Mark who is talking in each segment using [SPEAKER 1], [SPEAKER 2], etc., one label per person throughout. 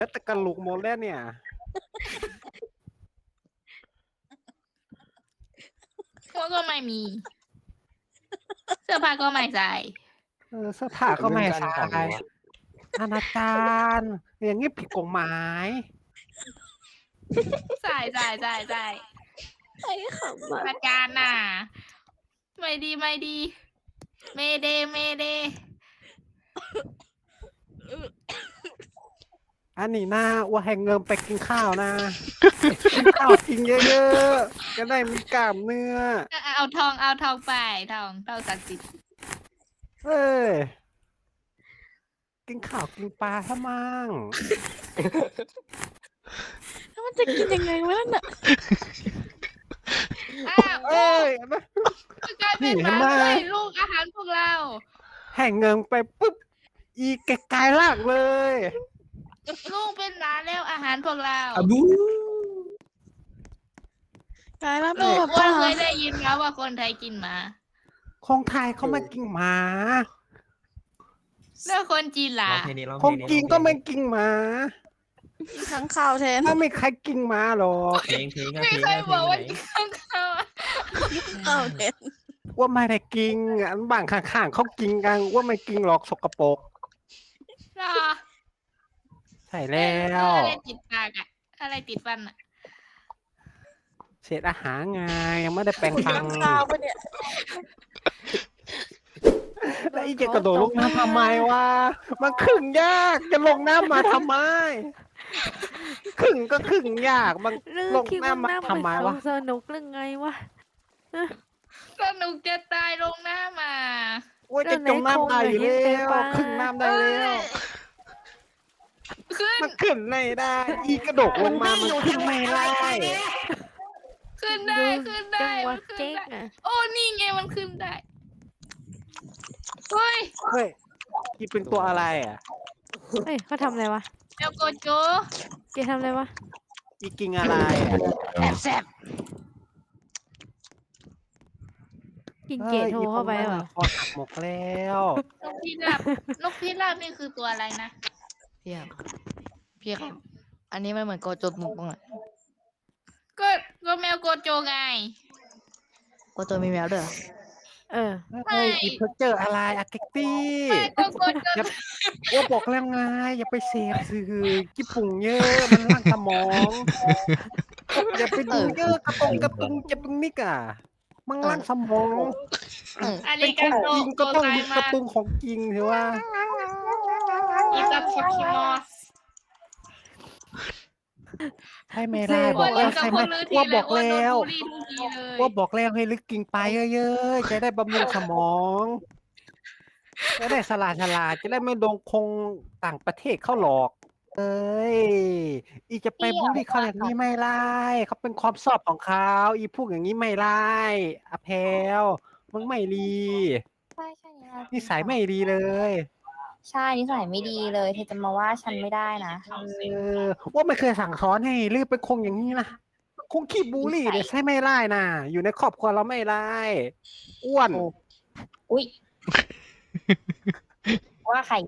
[SPEAKER 1] แต่กระลูกหมดแล้วเนี่ย
[SPEAKER 2] ก็ไม่มี เสื้อผ้าก็ไม่ใส่
[SPEAKER 1] เสื้อผ้าก็ไม่ใส่อนาจารอย่างนี้ผิดกฎหมาย
[SPEAKER 2] ใส่
[SPEAKER 3] ไอ้ขำอ่ะ
[SPEAKER 2] อาจารย์น่ะ ไม่ดีเมเด
[SPEAKER 1] อันนี้นะว่าให้เงินไปกินข้าวนะกินข้าวกินเยอะๆจะได้มีกล้ามเนื้อ
[SPEAKER 2] เอาทองไปทองศักดิ์สิทธิ์
[SPEAKER 1] เอ้ยกินข้าวกินปลาซะมั่ง
[SPEAKER 3] แล้วมันจะกินยังไงวะนั่นน่ะ
[SPEAKER 2] อ้าว
[SPEAKER 1] เอ้ย
[SPEAKER 2] กลายเป็นหมาด้วยลูกอาหารพวกเรา
[SPEAKER 1] ให้เงินไปปุ๊บอีแกกลายร่างเลย
[SPEAKER 2] ลูกเป็นหมาแล้วอาหารพวกเรา
[SPEAKER 4] อะบู
[SPEAKER 3] กลายแล้วเป็
[SPEAKER 2] ลู
[SPEAKER 3] น
[SPEAKER 2] ก
[SPEAKER 3] แบบ
[SPEAKER 2] ว่า
[SPEAKER 3] ว่า
[SPEAKER 2] เคยได้ยินแล้วว่าคนไทยกินหมา
[SPEAKER 1] ของไทยเขาไม่กินหมา
[SPEAKER 2] แล้วคนจีนล่ะ
[SPEAKER 1] ของกินก็ไม่กินหมา
[SPEAKER 3] ข้างข่าวแทน
[SPEAKER 1] ถ้าไม่ใครกินหมาหรอก
[SPEAKER 4] เพลง
[SPEAKER 2] ไม่เคยบอกว่ากินข้าว
[SPEAKER 3] ข้าวแทน
[SPEAKER 1] ว่าไม่ได้กินอันบางข้างๆเขากินกันว่าไม่กินหรอกสกปรก
[SPEAKER 2] หรอ
[SPEAKER 1] ใช่แล้ว
[SPEAKER 2] อะไรติดปากอะอะไรติดฟันอะ
[SPEAKER 1] เศษอาหารไงยังไม่ได้แปรงฟัน
[SPEAKER 3] ข้างข่าวปะเนี่ย
[SPEAKER 1] แล้วอีจะกระโดดลงน้ำทำไมวะมันขึงยากจะลงน้ำมาทำไมขึงก็ขึงยากมัน
[SPEAKER 5] ลือ
[SPEAKER 1] ลง
[SPEAKER 5] คิดว่า
[SPEAKER 1] น้ำมา
[SPEAKER 5] น้ำ
[SPEAKER 1] ทำไมวะ
[SPEAKER 5] สนุกเรื่องไงวะ
[SPEAKER 2] สนุกจะตายลงน้ำมา
[SPEAKER 1] ว่าจะจมน้ำได้อยู่แล้วขึงน้ำได้แล้ว
[SPEAKER 2] ขึ้น
[SPEAKER 1] มันขึ้นไม่ได้ อีกระโดดลงมามันขึ้นไม่ได้
[SPEAKER 2] ขึ้นได้
[SPEAKER 5] จั
[SPEAKER 2] มั
[SPEAKER 5] งหวะ
[SPEAKER 2] นขึ้น
[SPEAKER 5] เจ๊ก
[SPEAKER 2] ได้
[SPEAKER 5] อ่ะ
[SPEAKER 2] โอ้นี่ไงมันขึ้นได้เฮ้ย
[SPEAKER 1] เฮ้ยอีเป็นตัวอะไรอ่ะ
[SPEAKER 5] เฮ้ยเขาทำอะไรวะ
[SPEAKER 2] เดี๋ยวโกโจ
[SPEAKER 5] เกทำอะไรวะ
[SPEAKER 1] อีกิงอะไรอ่ะ
[SPEAKER 2] แอบแซบ
[SPEAKER 5] กินเกตโทรเข้าไปเหรอ
[SPEAKER 1] คอหักหมกแล้ว
[SPEAKER 2] นกพิราบนกพิราบนี่คือตัวอะไรนะ
[SPEAKER 6] พี่ครับอันนี้มันเหมือนโกโจมุกบ้างอะ
[SPEAKER 2] ก็แมวโกโจไง
[SPEAKER 6] โกโจมีแมวด้วยเหรอ
[SPEAKER 5] เออ
[SPEAKER 1] เฮ้ยอีเพอร์เจอร์อะไรอะเก็กตี้
[SPEAKER 2] ไม่ก็โกโจ
[SPEAKER 1] ว่าบอกแล้วไงอย่าไปเสพสื่อญี่ปุ่นเยอะมันล่างสมองอย่าไปดูเยอะกระตุงจะตุงนิกอ่ะมันล่างสมอง
[SPEAKER 2] อา
[SPEAKER 1] เป็
[SPEAKER 2] ริ
[SPEAKER 1] นข
[SPEAKER 2] กา
[SPEAKER 1] อง
[SPEAKER 2] โต
[SPEAKER 1] จริง
[SPEAKER 2] โก
[SPEAKER 1] ก็ต้อง
[SPEAKER 2] ไซ
[SPEAKER 1] ดูก
[SPEAKER 2] มา
[SPEAKER 1] ระตุงของจริงถือว่า
[SPEAKER 2] อิตาชิคิมอส
[SPEAKER 1] ใช่ไหมล่ะบอกแล้วใช่ไหมว่าบอกแล้วว่าบอกแล้วให้ลึกกินไปเยอะๆจะได้บำรุงสมองจะได้ฉลาดจะได้ไม่โดนคงต่างประเทศเข้าหลอก เอ้ยอีจะไปบูลลี่เขาอย่างนี้ไม่ไล่เขาเป็นความชอบของเขาอีพูดอย่างนี้ไม่ไล่อแพลมึงไม่ดี
[SPEAKER 7] ใช่ใช่
[SPEAKER 1] นิสัยไม่ดีเลย
[SPEAKER 7] ใช่นิสัยไม่ดีเลยเธอจะมาว่าฉันไม่ได้นะ
[SPEAKER 1] ว่าไม่เคยสั่งสอนให้ลือเป็นคงอย่างนี้นะคงขี้บูลลี่เนี่ยใช่ไม่ไล่นะอยู่ในครอบครัวเราไม่ไล่อ้วน
[SPEAKER 7] อุ้ยว่าใคร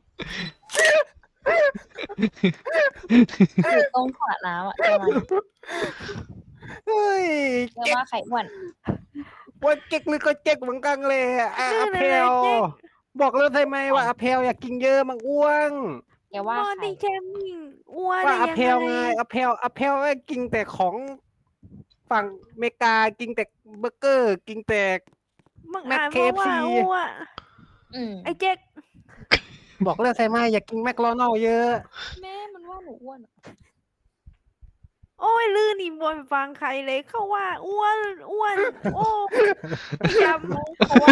[SPEAKER 7] อยู่ตรงขวดน้ำอ่ะจะมา
[SPEAKER 1] เฮ้ย
[SPEAKER 7] จะว่าใครอ้วน
[SPEAKER 1] ว่าเก๊กหรือก็เก๊กเหมือนกันเลยอะอแพลบอกเลยใช่ไหมว่าอแพลอยากกินเยอะมันอ้วน
[SPEAKER 7] แกว่า
[SPEAKER 5] บอ
[SPEAKER 7] ใคร
[SPEAKER 5] ดี้แคมมิ่งอ้วน
[SPEAKER 1] ว่าอ
[SPEAKER 5] ได้
[SPEAKER 1] แพล
[SPEAKER 5] ยัง
[SPEAKER 1] ไง
[SPEAKER 5] ไง
[SPEAKER 1] อแพลกินแต่ของฝั่งอเมริกากินแต่เบอร์เกอร์ กินแต่
[SPEAKER 5] มึง
[SPEAKER 1] แม็ก
[SPEAKER 5] อ่านเพราะว่า
[SPEAKER 1] KFC
[SPEAKER 5] อ้วน
[SPEAKER 7] อืม
[SPEAKER 5] ไอ้เจ๊ก
[SPEAKER 1] บอกเลยใช่ไหมอยากกินแมคโดนัลด์เยอะ
[SPEAKER 7] แม่มันว่าหนูอ้วน
[SPEAKER 5] โอ้ยลื่นนี่บนฟังใครเลยเขาว่าอ้วนโอ้จำ
[SPEAKER 7] เพราะว่า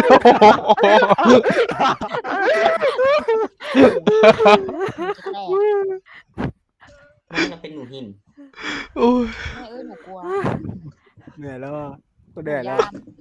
[SPEAKER 7] แม่
[SPEAKER 4] มันจะเป็นหนูหิน
[SPEAKER 7] แม่หนูกลัว
[SPEAKER 1] เหนื่อยแล้วอะก็
[SPEAKER 7] หนู
[SPEAKER 1] เหนื่อยแล้ว
[SPEAKER 7] ย่าน